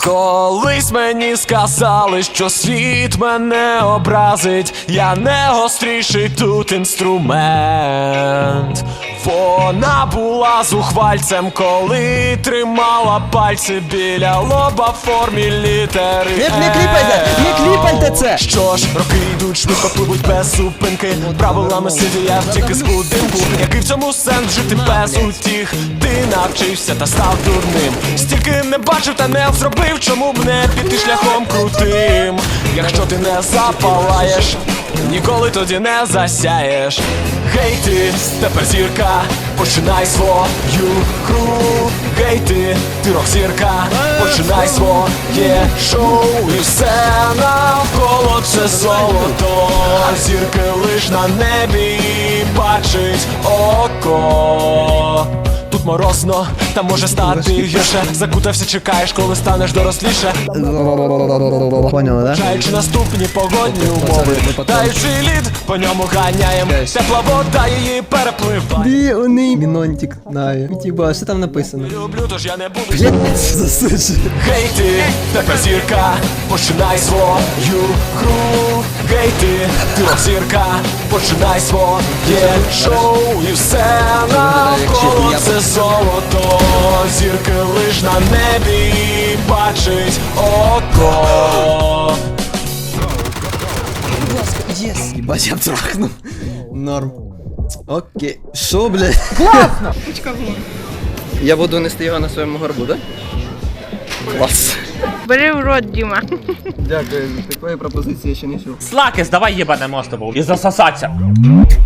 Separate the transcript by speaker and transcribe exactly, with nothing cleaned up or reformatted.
Speaker 1: Колись мені сказали, що світ мене образить, я не гостріший тут інструмент. Вона була зухвальцем, коли тримала пальці біля лоба в формі літери
Speaker 2: Не, не кліпайте, не кліпайте це!
Speaker 1: Що ж, роки йдуть, швидко пливуть без зупинки. Правилами сиді я втік із будинку. Який в цьому сенс жити без утіх? Ти навчився та став дурним. Стільки не бачив та не зробив, чому б не піти шляхом крутим? Якщо ти не запалаєш, ніколи тоді не засяєш. Гей ти, тепер зірка, починай свою гру. Гей ти, ти рок-зірка, починай своє шоу. І все навколо це золото. Зірки лиш на небі бачить око. Тут морозно, там може стати гірше. Закутався, чекаєш, коли станеш доросліше.
Speaker 2: Поняли, да?
Speaker 1: Чаючи наступні погодні умови, таючи лід, по ньому ганяєм. Тепла вода її перепливає.
Speaker 2: Біоний мінонтик, знаю. Тіба, що там написано?
Speaker 1: Люблю, тож я не буду.
Speaker 2: Блять, засуджу.
Speaker 1: Гей ти, тепер зірка, починай свою гру. Гей ти, ти рок-зірка, починай своє шоу. І все навколо це золото. Зірки лиш на небі бачить око.
Speaker 2: Будь ласка, єс. Єбать, я трахнув. Норм. Окей. Шо, блядь?
Speaker 3: Класно!
Speaker 2: Я буду нести його на своєму горбу, да? Клас.
Speaker 3: Бери в рот, Діма.
Speaker 2: Дякую, такої пропозиції я ще не чув.
Speaker 4: Слакес, давай ебанемо з тобою і засосаться.